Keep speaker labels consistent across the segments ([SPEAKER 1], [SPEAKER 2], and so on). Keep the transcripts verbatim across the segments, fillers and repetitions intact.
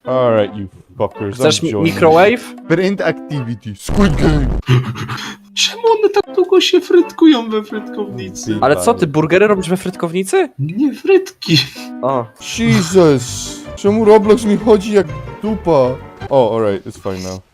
[SPEAKER 1] Alright, you fuckers.
[SPEAKER 2] Chcesz
[SPEAKER 1] I'm joining.
[SPEAKER 2] microwave?
[SPEAKER 1] Friend activity. Squid Game.
[SPEAKER 3] Czemu one tak długo się frytkują we frytkownicy?
[SPEAKER 2] Ale co, ty burgery robisz we frytkownicy?
[SPEAKER 3] Nie frytki.
[SPEAKER 2] A.
[SPEAKER 1] Jesus. Czemu Roblox mi chodzi jak dupa? O, alright, it's fine now.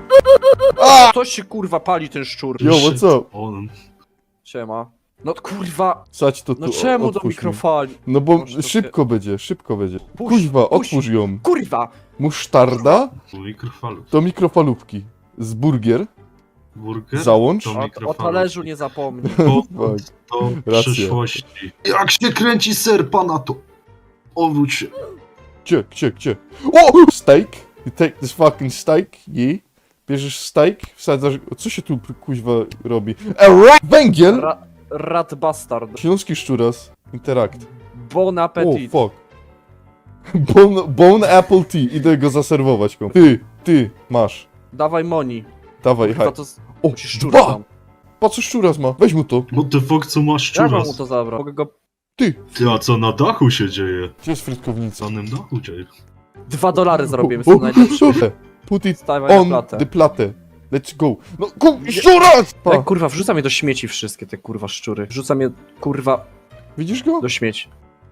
[SPEAKER 2] Coś się kurwa pali ten szczur.
[SPEAKER 1] Yo, what's up?
[SPEAKER 3] On.
[SPEAKER 2] Siema. No kurwa.
[SPEAKER 1] Sać to tu,
[SPEAKER 2] No czemu do
[SPEAKER 1] otwórz mi.
[SPEAKER 2] mikrofali?
[SPEAKER 1] No bo
[SPEAKER 2] Może to
[SPEAKER 1] szybko będzie, szybko będzie.
[SPEAKER 2] Puść,
[SPEAKER 1] Kuźwa,
[SPEAKER 2] puść.
[SPEAKER 1] otwórz ją.
[SPEAKER 2] Kurwa!
[SPEAKER 1] Musztarda
[SPEAKER 3] Mikrofalów.
[SPEAKER 1] to mikrofalówki. Z burgier
[SPEAKER 3] Burger?
[SPEAKER 1] załącz.
[SPEAKER 3] To
[SPEAKER 2] O, o
[SPEAKER 3] mikrofalów.
[SPEAKER 2] talerzu nie zapomnij.
[SPEAKER 3] Powrót
[SPEAKER 1] Fuck.
[SPEAKER 3] do
[SPEAKER 1] Racja.
[SPEAKER 3] przyszłości. Jak się kręci ser pana to? Obróć się.
[SPEAKER 1] Gdzie, gdzie, gdzie? O! Steak. You take this fucking steak, yeah. Bierzesz steak, wsadzasz... Co się tu kuźwa robi? A ra- Węgiel!
[SPEAKER 2] Ra rat bastard.
[SPEAKER 1] Śląski szczuras. Interact.
[SPEAKER 2] Bon
[SPEAKER 1] O,
[SPEAKER 2] appetit.
[SPEAKER 1] fuck. Bone, bone apple tea. Idę go zaserwować. komu. Ty, ty, masz.
[SPEAKER 2] Dawaj moni.
[SPEAKER 1] Dawaj,
[SPEAKER 2] Kurwa
[SPEAKER 1] haj.
[SPEAKER 2] to...
[SPEAKER 1] O,
[SPEAKER 2] Ci szczura
[SPEAKER 1] dwa!
[SPEAKER 2] tam.
[SPEAKER 1] Po co szczuras ma? Weź mu to.
[SPEAKER 3] What the fuck, co masz
[SPEAKER 2] Ja mam
[SPEAKER 3] szczuras?
[SPEAKER 2] mu to zabrać. Mogę go...
[SPEAKER 1] Ty.
[SPEAKER 3] Ty, a co na dachu się dzieje?
[SPEAKER 1] Gdzie jest frytkownica?
[SPEAKER 3] Co na dachu dzieje?
[SPEAKER 2] Dwa dolary zrobimy,
[SPEAKER 1] O,
[SPEAKER 2] są
[SPEAKER 1] o,
[SPEAKER 2] najlepsze.
[SPEAKER 1] o, Put it
[SPEAKER 2] Stawaj na
[SPEAKER 1] on
[SPEAKER 2] platę.
[SPEAKER 1] the platę. Let's go. No, ku... szczuras! Pa.
[SPEAKER 2] Ej, kurwa, wrzucam je do śmieci wszystkie te kurwa szczury. Wrzucam je, kurwa,
[SPEAKER 1] Widzisz go?
[SPEAKER 2] do śmieci.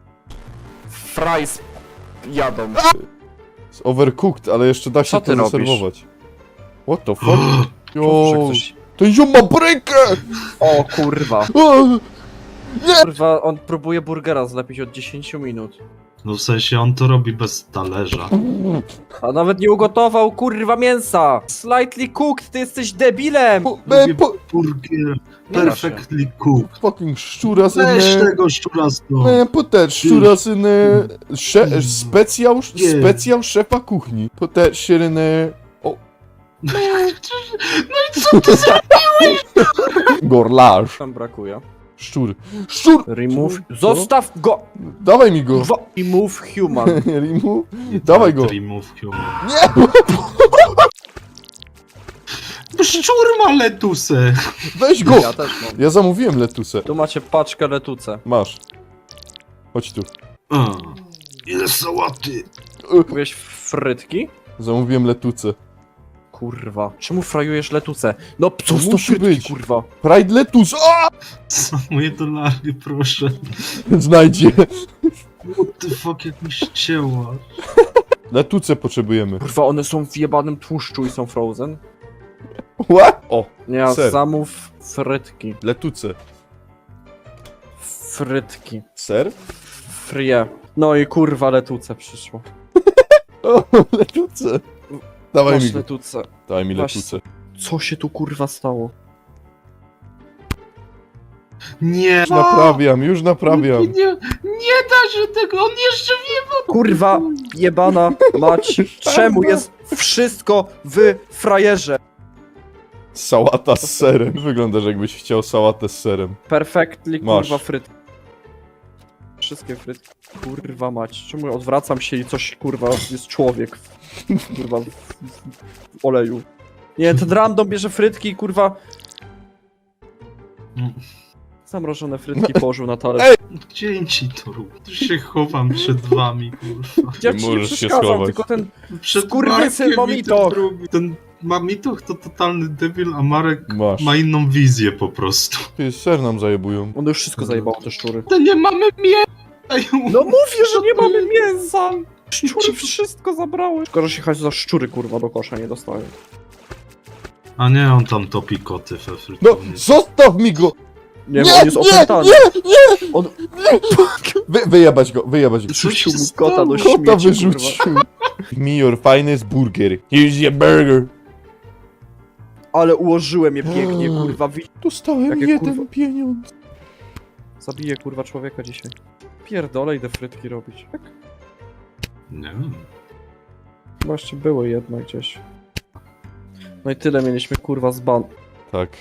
[SPEAKER 2] Fries jadą.
[SPEAKER 1] Jest overcooked, ale jeszcze da się
[SPEAKER 2] Co
[SPEAKER 1] to
[SPEAKER 2] ty robisz?
[SPEAKER 1] zaserwować. What the fuck?
[SPEAKER 2] Że
[SPEAKER 1] Jo,
[SPEAKER 2] ktoś...
[SPEAKER 1] ten ziom ma brykę!
[SPEAKER 2] O kurwa.
[SPEAKER 1] O,
[SPEAKER 2] Kurwa, on próbuje burgera zlepić od dziesięciu minut.
[SPEAKER 3] No w sensie on to robi bez talerza.
[SPEAKER 2] A nawet nie ugotował kurwa mięsa! Slightly cooked, ty jesteś debilem!
[SPEAKER 1] po, me, po,
[SPEAKER 3] Burger.
[SPEAKER 2] Nie da się.
[SPEAKER 3] Perfectly cooked.
[SPEAKER 1] fucking szczuras
[SPEAKER 3] Weź
[SPEAKER 1] in
[SPEAKER 3] tego szczura stąd.
[SPEAKER 1] Man, put that szczuras in uh, sze, specjał,
[SPEAKER 3] Nie.
[SPEAKER 1] specjał szefa kuchni. Put that shit in there. O.
[SPEAKER 3] No i co ty za...
[SPEAKER 1] Gorlarz.
[SPEAKER 2] Tam brakuje.
[SPEAKER 1] Szczur. Szczur!
[SPEAKER 2] Remove...
[SPEAKER 1] Co?
[SPEAKER 2] Zostaw go!
[SPEAKER 1] Dawaj mi go.
[SPEAKER 2] Kurwa, remove human.
[SPEAKER 1] Rimu? Dawaj go.
[SPEAKER 3] Remove humor.
[SPEAKER 1] Nie!
[SPEAKER 3] Szczur ma letusę.
[SPEAKER 1] Weź go!
[SPEAKER 2] Ja też mam.
[SPEAKER 1] Ja zamówiłem letusę.
[SPEAKER 2] Tu macie paczkę letuce.
[SPEAKER 1] Masz. Chodź tu.
[SPEAKER 3] A, ile sałaty.
[SPEAKER 2] Mówiłeś frytki?
[SPEAKER 1] Zamówiłem letucę.
[SPEAKER 2] Kurwa. Czemu frajujesz letuce? No co
[SPEAKER 1] To
[SPEAKER 2] to
[SPEAKER 1] musi
[SPEAKER 2] frytki,
[SPEAKER 1] być.
[SPEAKER 2] kurwa?
[SPEAKER 1] Pride letus! O!
[SPEAKER 3] Za moje dolary, proszę.
[SPEAKER 1] Znajdzie.
[SPEAKER 3] What the fuck, jak mi ścięła.
[SPEAKER 1] Letuce potrzebujemy.
[SPEAKER 2] Kurwa, one są w jebanym tłuszczu i są frozen?
[SPEAKER 1] What? O,
[SPEAKER 2] Nie,
[SPEAKER 1] Ser.
[SPEAKER 2] zamów frytki.
[SPEAKER 1] letuce.
[SPEAKER 2] Frytki.
[SPEAKER 1] Ser?
[SPEAKER 2] Frie. No i kurwa letuce przyszło.
[SPEAKER 1] O, letuce. Dawaj mi
[SPEAKER 2] Masz
[SPEAKER 1] go.
[SPEAKER 2] letuce.
[SPEAKER 1] Daj mi
[SPEAKER 2] Masz-
[SPEAKER 1] letuce.
[SPEAKER 2] Co się tu kurwa stało?
[SPEAKER 3] Nie.
[SPEAKER 1] Już naprawiam, już naprawiam.
[SPEAKER 3] Nie, nie da się tego, on jeszcze wie.
[SPEAKER 2] Kurwa, jebana mać. Czemu jest wszystko w frajerze?
[SPEAKER 1] Sałata z serem. Wyglądasz jakbyś chciał sałatę z serem.
[SPEAKER 2] Perfectly
[SPEAKER 1] Masz.
[SPEAKER 2] kurwa frytki. Wszystkie frytki. Kurwa mać. Czemu odwracam się i coś kurwa jest człowiek w, kurwa w, w oleju. Nie, ten random bierze frytki i kurwa zamrożone frytki położył na talerz.
[SPEAKER 1] Ej!
[SPEAKER 3] Gdzie ci to rób? Tu się chowam przed wami, kurwa.
[SPEAKER 2] Ja
[SPEAKER 1] Nie
[SPEAKER 2] ci nie
[SPEAKER 1] możesz się
[SPEAKER 2] przeszkadzam,
[SPEAKER 1] schować.
[SPEAKER 2] tylko ten
[SPEAKER 3] Przed
[SPEAKER 2] Skurwysyn
[SPEAKER 3] Markiem
[SPEAKER 2] Mamitoch.
[SPEAKER 3] i ten drugi. Ten Mamitoch to totalny debil, a Marek
[SPEAKER 1] Masz.
[SPEAKER 3] ma inną wizję po prostu.
[SPEAKER 1] Ty, ser nam zajebują.
[SPEAKER 2] on już wszystko zajebało te szczury.
[SPEAKER 3] To nie mamy mięsa.
[SPEAKER 2] No mówię, że nie mamy mięsa! Szczury wszystko zabrały. Szkoda, że się chodzi za szczury kurwa do kosza nie dostają.
[SPEAKER 3] A nie, on tam topi koty we
[SPEAKER 1] No,
[SPEAKER 3] frytownicy.
[SPEAKER 1] zostaw mi go!
[SPEAKER 2] Nie,
[SPEAKER 1] Nie,
[SPEAKER 2] bo on jest
[SPEAKER 1] nie,
[SPEAKER 2] opętany.
[SPEAKER 1] nie, nie!
[SPEAKER 2] On
[SPEAKER 1] Wy, wyjebać go, wyjebać go.
[SPEAKER 2] rzucił
[SPEAKER 3] się
[SPEAKER 2] mu kota do
[SPEAKER 3] stało?
[SPEAKER 1] Kota
[SPEAKER 2] śmieci, kurwa.
[SPEAKER 1] wyrzucił. Me your finest burger. Here's your burger.
[SPEAKER 2] Ale ułożyłem je pięknie, kurwa. Wi-
[SPEAKER 1] Dostałem
[SPEAKER 2] Jakie
[SPEAKER 1] jeden
[SPEAKER 2] kurwa-
[SPEAKER 1] pieniądz.
[SPEAKER 2] Zabiję kurwa człowieka dzisiaj. Pierdolę, idę frytki robić. Tak?
[SPEAKER 3] Nie wiem.
[SPEAKER 2] Właśnie było jedno gdzieś. No i tyle mieliśmy kurwa z ban.
[SPEAKER 1] Tak.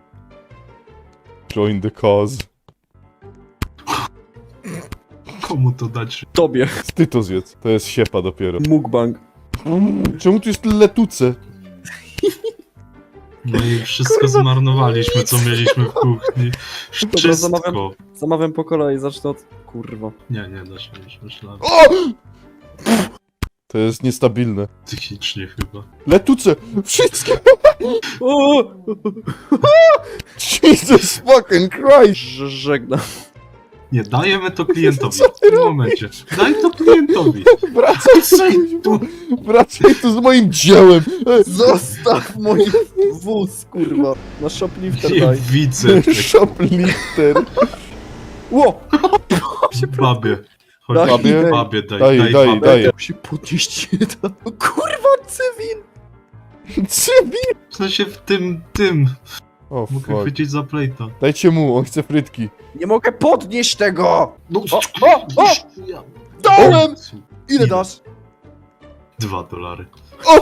[SPEAKER 1] Join the cause.
[SPEAKER 3] Komu to dać?
[SPEAKER 2] Tobie.
[SPEAKER 1] Ty to zjedz. To jest siepa dopiero.
[SPEAKER 2] Mukbang.
[SPEAKER 1] Czemu tu jest letuce?
[SPEAKER 3] No i wszystko
[SPEAKER 2] Kurwa.
[SPEAKER 3] zmarnowaliśmy, co mieliśmy w kuchni.
[SPEAKER 2] Dobra,
[SPEAKER 3] Wszystko.
[SPEAKER 2] zamawiam. Zamawiam po kolei, zacznę od... Kurwa.
[SPEAKER 3] Nie, nie da się już myślałem.
[SPEAKER 1] O! To jest niestabilne.
[SPEAKER 3] Psychicznie chyba.
[SPEAKER 1] Letuce! Wszystkie!
[SPEAKER 2] O!
[SPEAKER 1] Jesus fucking Christ!
[SPEAKER 2] Ż- Żegnam.
[SPEAKER 3] Nie, dajemy to klientowi.
[SPEAKER 1] Co ty
[SPEAKER 3] W tym momencie. Daj to klientowi.
[SPEAKER 1] Wracaj
[SPEAKER 3] Wracaj
[SPEAKER 1] tu! Wracaj tu z moim dziełem! E,
[SPEAKER 2] Zostaw mój wóz, kurwa. Na shoplifter
[SPEAKER 3] Nie
[SPEAKER 2] daj.
[SPEAKER 3] widzę.
[SPEAKER 1] Shoplifter!
[SPEAKER 2] Ło!
[SPEAKER 3] Babie. Chodź,
[SPEAKER 2] Daj,
[SPEAKER 3] babie,
[SPEAKER 2] daj.
[SPEAKER 3] babie, daj,
[SPEAKER 1] Daj,
[SPEAKER 3] daj,
[SPEAKER 1] daj,
[SPEAKER 3] babie.
[SPEAKER 1] daj.
[SPEAKER 2] Się podnieść nie da. Kurwa, cywil!
[SPEAKER 1] Cywil!
[SPEAKER 3] W sensie w tym, tym.
[SPEAKER 1] O
[SPEAKER 3] Mogę
[SPEAKER 1] fuck.
[SPEAKER 3] chwycić za plejta.
[SPEAKER 1] Dajcie mu, on chce frytki.
[SPEAKER 2] Nie mogę podnieść tego!
[SPEAKER 3] No,
[SPEAKER 2] O, o, o!
[SPEAKER 3] Ja-
[SPEAKER 2] Dałem! Ile dasz?
[SPEAKER 3] Dwa dolary.
[SPEAKER 1] O!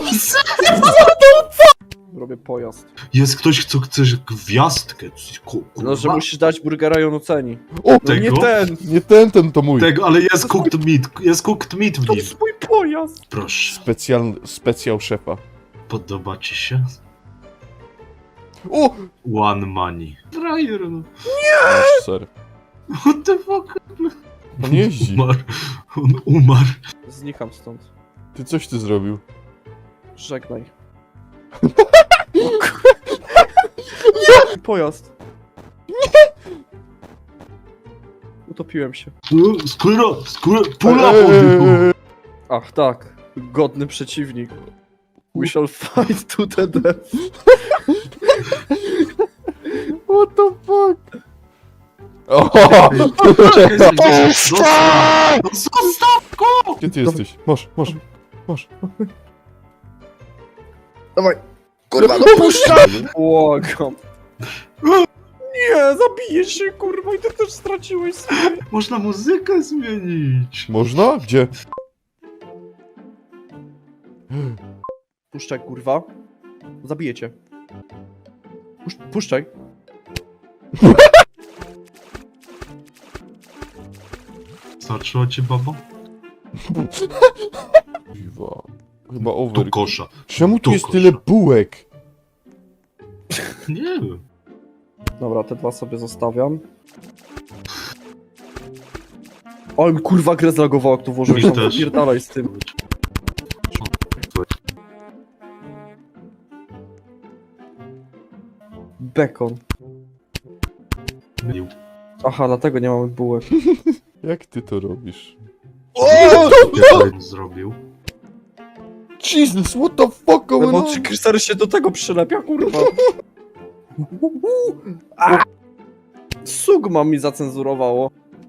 [SPEAKER 2] Robię pojazd.
[SPEAKER 3] Jest ktoś, kto chce gwiazdkę. Ku-
[SPEAKER 2] No, że
[SPEAKER 3] kurwa.
[SPEAKER 2] musisz dać burgera i on oceni.
[SPEAKER 1] O!
[SPEAKER 2] No
[SPEAKER 3] Tego?
[SPEAKER 2] nie ten!
[SPEAKER 1] Nie ten, ten to mój.
[SPEAKER 3] Tego, ale jest cooked meat. Jest cooked meat w
[SPEAKER 2] To
[SPEAKER 3] nim.
[SPEAKER 2] jest mój pojazd!
[SPEAKER 3] Proszę.
[SPEAKER 1] Specjal, specjal szefa.
[SPEAKER 3] Podoba ci się?
[SPEAKER 1] O!
[SPEAKER 3] One money. Frajer, no.
[SPEAKER 1] Masz ser.
[SPEAKER 3] What the fuck?
[SPEAKER 1] On jeździ.
[SPEAKER 3] Umarł. On umarł.
[SPEAKER 2] Znikam stąd.
[SPEAKER 1] Ty coś ty zrobił.
[SPEAKER 2] Żegnaj. Pojazd. Utopiłem się.
[SPEAKER 3] Skóra, skóra, pula
[SPEAKER 1] Eee,
[SPEAKER 3] podjechał.
[SPEAKER 2] Ach tak, godny przeciwnik. We shall fight to the death.
[SPEAKER 1] What the fuck? O!
[SPEAKER 3] Czekaj, zostaw! No zostaw go!
[SPEAKER 1] Gdzie ty jesteś? Masz, masz, masz.
[SPEAKER 2] Dawaj. Kurwa, no puszczaj! Błagam. Nie, zabiję się, kurwa, i ty też straciłeś swoje.
[SPEAKER 3] Można muzykę zmienić.
[SPEAKER 1] Można? Gdzie?
[SPEAKER 2] Puszczaj, kurwa. Zabiję cię. Pusz puszczaj.
[SPEAKER 3] Starczyła ci baba?
[SPEAKER 1] Kurwa. Chyba
[SPEAKER 3] Do
[SPEAKER 1] over.
[SPEAKER 3] kosza.
[SPEAKER 1] Czemu tu
[SPEAKER 3] do
[SPEAKER 1] jest
[SPEAKER 3] kosza.
[SPEAKER 1] tyle bułek?
[SPEAKER 3] Nie wiem.
[SPEAKER 2] Dobra, te dwa sobie zostawiam. O, mi kurwa grę zlagowało, jak tu włożyłeś
[SPEAKER 3] Mi
[SPEAKER 2] tam.
[SPEAKER 3] też.
[SPEAKER 2] Pierdalaj z tym. Bekon.
[SPEAKER 3] Mylił.
[SPEAKER 2] Aha, dlatego nie mamy bułek.
[SPEAKER 1] Jak ty to robisz?
[SPEAKER 3] Co zrobił?
[SPEAKER 1] Jesus, what the fuck going
[SPEAKER 2] No,
[SPEAKER 1] on?
[SPEAKER 2] czy Kryster się do tego przylepia, kurwa? A! Sugma mi zacenzurowało.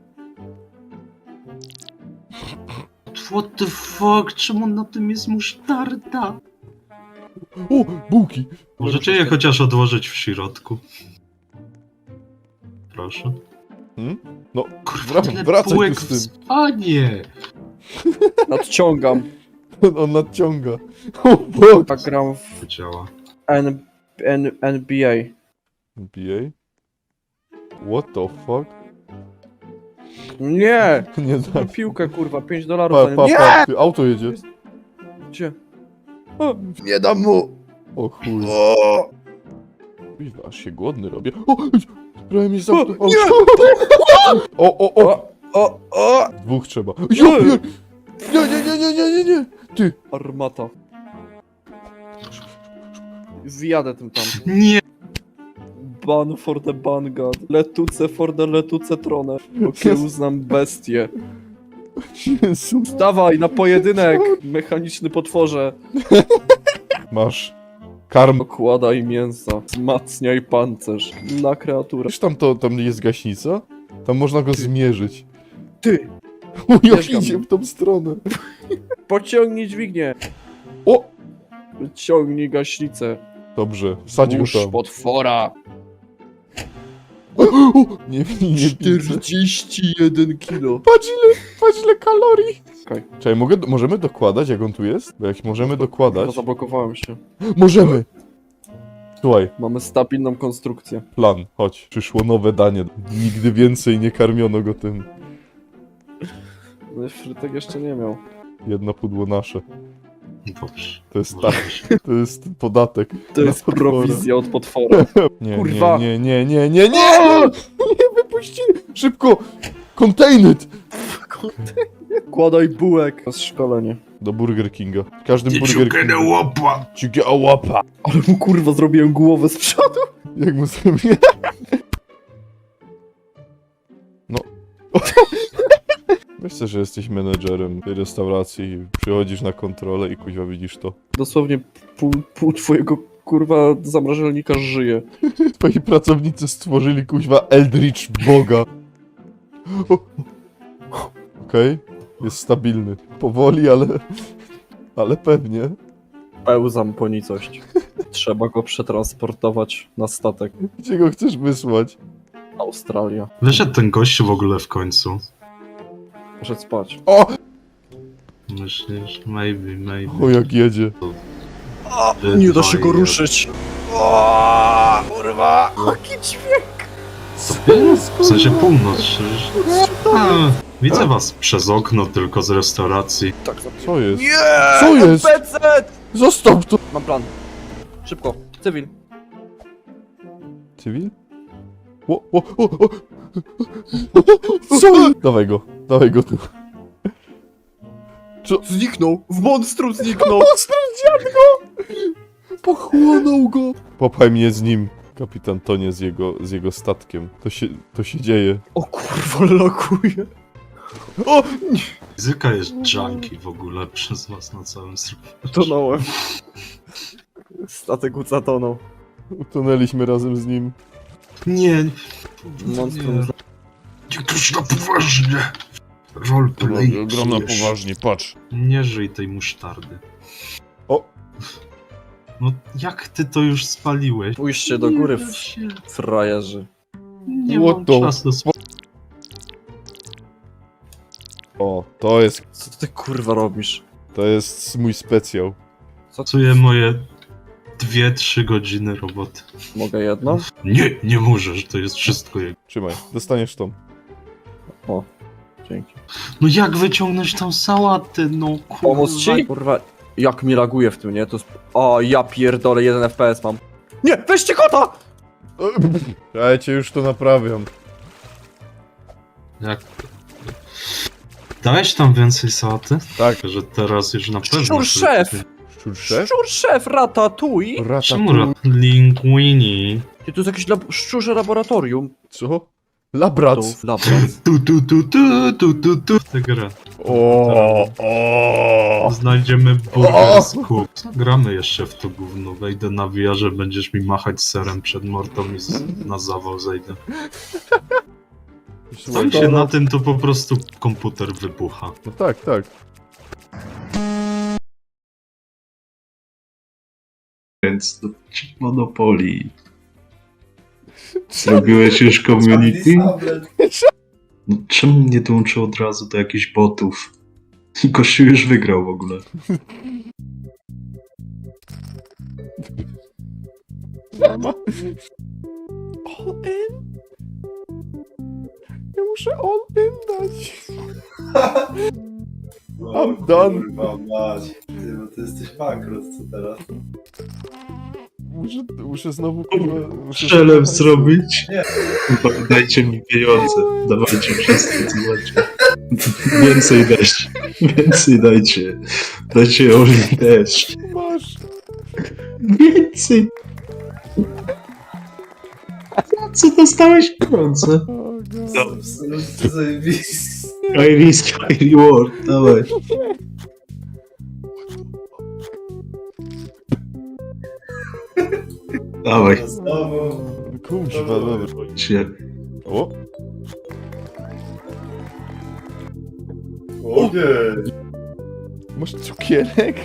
[SPEAKER 3] What the fuck? Czemu na tym jest musztarda?
[SPEAKER 1] O, bułki!
[SPEAKER 3] Możecie je chociaż odłożyć w środku? Proszę.
[SPEAKER 1] Hmm? No,
[SPEAKER 3] Kurwa,
[SPEAKER 1] Wra-
[SPEAKER 3] tyle
[SPEAKER 1] wracaj tu
[SPEAKER 3] półek
[SPEAKER 1] z
[SPEAKER 3] w
[SPEAKER 1] tym.
[SPEAKER 3] spanie!
[SPEAKER 2] Nadciągam.
[SPEAKER 1] on nadciąga. O, fuck!
[SPEAKER 2] Tak gram w
[SPEAKER 3] To działa.
[SPEAKER 2] N N NBA.
[SPEAKER 1] N B A? What the fuck?
[SPEAKER 2] Nie!
[SPEAKER 1] Nie
[SPEAKER 2] Mam
[SPEAKER 1] da.
[SPEAKER 2] piłkę, kurwa, pięć dolarów
[SPEAKER 1] Pa,
[SPEAKER 2] za nią.
[SPEAKER 1] pa,
[SPEAKER 2] Nie!
[SPEAKER 1] pa, ty, auto jedzie.
[SPEAKER 2] Gdzie? O, nie dam mu!
[SPEAKER 1] O chuj.
[SPEAKER 2] O!
[SPEAKER 1] Kurwa, aż się głodny robię. O! Prawie mi za
[SPEAKER 2] O,
[SPEAKER 1] auto.
[SPEAKER 2] nie!
[SPEAKER 1] O, o, o!
[SPEAKER 2] O! O! O!
[SPEAKER 1] Dwóch trzeba. Jo, nie, nie, nie, nie, nie, nie, nie, nie. Ty.
[SPEAKER 2] Armata. Zjadę tym tam.
[SPEAKER 3] Nie!
[SPEAKER 2] Ban for the Bangad. Letuce for the letuce tronę. Okiełznam bestię.
[SPEAKER 1] Jezu.
[SPEAKER 2] Dawaj, na pojedynek! Mechaniczny potworze.
[SPEAKER 1] Masz. Karm.
[SPEAKER 2] Okładaj mięsa. Wzmacniaj pancerz. Na kreaturę.
[SPEAKER 1] Wiesz, tam to, tam jest gaśnica? Tam można go zmierzyć.
[SPEAKER 2] Ty!
[SPEAKER 1] O, jak
[SPEAKER 2] Mieszkam.
[SPEAKER 1] idzie w tą stronę.
[SPEAKER 2] Pociągnij dźwignię!
[SPEAKER 1] O!
[SPEAKER 2] Ciągnij gaśnicę.
[SPEAKER 1] Dobrze, wsadź go
[SPEAKER 2] Burz
[SPEAKER 1] tam.
[SPEAKER 2] potwora.
[SPEAKER 1] O, o, nie, nie widzę.
[SPEAKER 2] czterdzieści jeden kilo.
[SPEAKER 1] Patrz ile, patrz ile kalorii.
[SPEAKER 2] Okej.
[SPEAKER 1] Czekaj, mogę, możemy dokładać jak on tu jest? Bo jak możemy
[SPEAKER 2] Chyba
[SPEAKER 1] dokładać...
[SPEAKER 2] zablokowałem się.
[SPEAKER 1] Możemy! Słuchaj,
[SPEAKER 2] Mamy stabilną konstrukcję.
[SPEAKER 1] plan, chodź. Przyszło nowe danie. Nigdy więcej nie karmiono go tym.
[SPEAKER 2] No, frytek jeszcze nie miał.
[SPEAKER 1] Jedno pudło nasze.
[SPEAKER 3] Dobrze.
[SPEAKER 1] To jest
[SPEAKER 3] Może
[SPEAKER 1] tak,
[SPEAKER 3] być.
[SPEAKER 1] to jest podatek.
[SPEAKER 2] To
[SPEAKER 1] Na
[SPEAKER 2] jest
[SPEAKER 1] potwora.
[SPEAKER 2] prowizja od potwora.
[SPEAKER 1] Nie,
[SPEAKER 2] Kurwa.
[SPEAKER 1] nie, nie, nie, nie, nie, nie! Nie wypuścili! Szybko! Contain it!
[SPEAKER 2] Kładaj bułek. To jest szkolenie.
[SPEAKER 1] Do Burger Kinga. W każdym
[SPEAKER 3] Nie
[SPEAKER 1] Burger
[SPEAKER 3] ciukę
[SPEAKER 1] Kingu.
[SPEAKER 3] łapa!
[SPEAKER 1] Ciukę łapa.
[SPEAKER 2] Ale mu kurwa zrobiłem głowę z przodu.
[SPEAKER 1] Jak mu zrobię? No. Myślę, że jesteś menedżerem tej restauracji. Przychodzisz na kontrolę i kuźwa widzisz to.
[SPEAKER 2] Dosłownie pół, pół twojego kurwa zamrażalnika żyje.
[SPEAKER 1] Twoi pracownicy stworzyli kuźwa Eldritch Boga. Okej, jest stabilny. Powoli, ale... Ale pewnie.
[SPEAKER 2] Pełzam po nicość. Trzeba go przetransportować na statek.
[SPEAKER 1] Gdzie go chcesz wysłać?
[SPEAKER 2] Australia.
[SPEAKER 3] Wyszedł ten gościu w ogóle w końcu.
[SPEAKER 2] Poszedł spać.
[SPEAKER 1] O!
[SPEAKER 3] Myślisz? Maybe, maybe.
[SPEAKER 1] O, jak jedzie.
[SPEAKER 2] Nie da się go ruszyć. O, kurwa! Jaki dźwięk!
[SPEAKER 3] W sensie północ. przecież- A, widzę was przez okno tylko z restauracji.
[SPEAKER 2] Tak,
[SPEAKER 1] Co jest?
[SPEAKER 2] Nie!
[SPEAKER 1] Co jest?
[SPEAKER 2] P C!
[SPEAKER 1] Zostaw to!
[SPEAKER 2] Mam plan. Szybko. Cywil.
[SPEAKER 1] Cywil? O, o, o, o. Co? Dawaj go, dawaj go tu.
[SPEAKER 2] Zniknął! W monstrum zniknął!
[SPEAKER 1] Zdradziłem go! Pochłonął go! Popchaj mnie z nim. Kapitan tonie z jego, z jego statkiem. To się, to się dzieje.
[SPEAKER 2] O kurwa, lokuje.
[SPEAKER 1] O!
[SPEAKER 3] Fizyka jest junkie w ogóle przez was na całym serwerze.
[SPEAKER 2] Tonąłem. Statek zatonął.
[SPEAKER 1] Utonęliśmy razem z nim.
[SPEAKER 3] Nie,
[SPEAKER 2] Monstrum
[SPEAKER 3] nie. Niektórzy na poważnie. Roleplay.
[SPEAKER 1] Gram na
[SPEAKER 3] pijesz.
[SPEAKER 1] poważnie, patrz.
[SPEAKER 3] Nie żyj tej musztardy.
[SPEAKER 1] O!
[SPEAKER 3] No jak ty to już spaliłeś?
[SPEAKER 2] Pójście do góry,
[SPEAKER 3] Nie da
[SPEAKER 2] w
[SPEAKER 3] się.
[SPEAKER 2] frajerzy.
[SPEAKER 3] Nie
[SPEAKER 1] What
[SPEAKER 3] mam
[SPEAKER 1] the-
[SPEAKER 3] czasu.
[SPEAKER 1] O, to jest,
[SPEAKER 2] Co ty kurwa robisz?
[SPEAKER 1] to jest mój specjał.
[SPEAKER 2] Co ty?
[SPEAKER 3] Pracuję moje dwie, trzy godziny roboty.
[SPEAKER 2] Mogę jedno?
[SPEAKER 3] Nie, nie możesz, to jest wszystko jego.
[SPEAKER 1] Trzymaj, dostaniesz tą.
[SPEAKER 2] O, dzięki.
[SPEAKER 3] No jak wyciągnąć tą sałatę, no kurwa.
[SPEAKER 2] Pomóc ci? Kurwa, jak mi laguje w tym, nie? To jest... O, ja pierdolę, jeden F P S mam. Nie, weźcie kota!
[SPEAKER 1] Ja cię już to naprawiam.
[SPEAKER 3] Jak... Dałeś tam więcej sałaty?
[SPEAKER 1] Tak.
[SPEAKER 3] Że teraz już na pewno...
[SPEAKER 2] Szczur szef!
[SPEAKER 1] Szczur szef?
[SPEAKER 2] Szczur szef, ratatuj!
[SPEAKER 3] Czemu
[SPEAKER 1] Ratatouille.
[SPEAKER 3] linguini?
[SPEAKER 2] Ty, to jest jakieś lab... szczurze laboratorium.
[SPEAKER 1] Co? Labrac.
[SPEAKER 2] Tu, laboratorium.
[SPEAKER 3] Tu, tu, tu, tu, tu, tu, tu. Tę grę.
[SPEAKER 1] O, o.
[SPEAKER 3] Znajdziemy Burger Scoop. Gramy jeszcze w to gówno. Wejdę na V R, że będziesz mi machać serem przed mortą i z... na zawał zejdę.
[SPEAKER 1] Słuchaj,
[SPEAKER 3] Tak się na tym to po prostu komputer wybucha.
[SPEAKER 1] No tak, tak.
[SPEAKER 4] Więc do Monopoly. Zrobiłeś już community? No, czemu nie dołączył od razu do jakichś botów? Gościu już wygrał w ogóle.
[SPEAKER 1] All in? Ja muszę all in dać. I'm done.
[SPEAKER 5] Kurwa mać. Ty, bo ty jesteś bankrut, co teraz?
[SPEAKER 1] Muszę, muszę znowu kurwa... muszę
[SPEAKER 4] Przelew
[SPEAKER 1] znowu-
[SPEAKER 4] zrobić?
[SPEAKER 5] Nie.
[SPEAKER 4] Kurwa, dajcie mi pieniądze. Dawajcie wszystko, co macie. Więcej dajcie. Więcej dajcie. Dajcie Oli też.
[SPEAKER 1] Masz.
[SPEAKER 4] Więcej. Za co dostałeś pieniądze?
[SPEAKER 1] O, God.
[SPEAKER 4] No.
[SPEAKER 5] Absolutnie zajebisty.
[SPEAKER 4] High risk, high reward. Dawaj. Dawaj.
[SPEAKER 5] Znowu.
[SPEAKER 1] Kurwa, dobra.
[SPEAKER 4] Się.
[SPEAKER 1] O,
[SPEAKER 5] Ogień.
[SPEAKER 1] masz cukierek?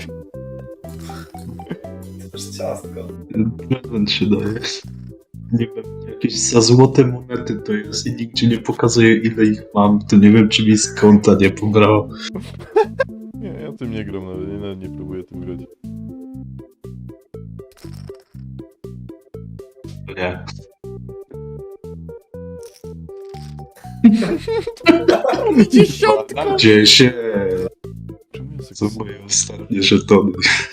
[SPEAKER 5] Też ciastko.
[SPEAKER 4] Prezent się daje. Nie wiem, jakieś za złote monety to jest i nigdzie nie pokazuje ile ich mam, to nie wiem czy mi z konta nie pobrało.
[SPEAKER 1] Nie, ja tym nie gram nawet, nie, nawet nie próbuję tym grać.
[SPEAKER 4] Nie.
[SPEAKER 1] Dziesiątka!
[SPEAKER 4] Dzieje się.
[SPEAKER 1] Czemu ja
[SPEAKER 4] Co
[SPEAKER 1] sobie-
[SPEAKER 4] moje ostatnie żetony.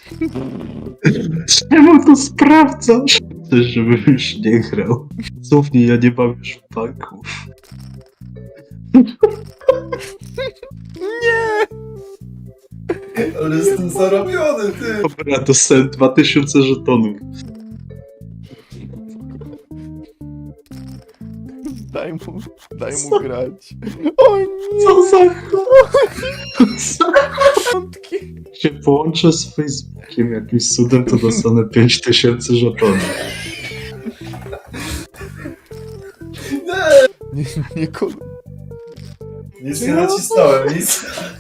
[SPEAKER 4] Czemu to sprawdzasz? Chcesz, żebym już nie grał. Słownie, ja nie mam już banków.
[SPEAKER 5] Ale jestem zarobiony, ty!
[SPEAKER 4] Dobra, dostałem dwa tysiące żetonów.
[SPEAKER 1] Daj mu, daj mu grać. O nie!
[SPEAKER 4] Co za Co?
[SPEAKER 1] Piątki.
[SPEAKER 4] się połączę z Facebookiem jakimś cudem, to dostanę pięć tysięcy żetonów.
[SPEAKER 5] Nie!
[SPEAKER 1] Nie, nie kol...
[SPEAKER 5] Nic nie nacisnąłem, nic.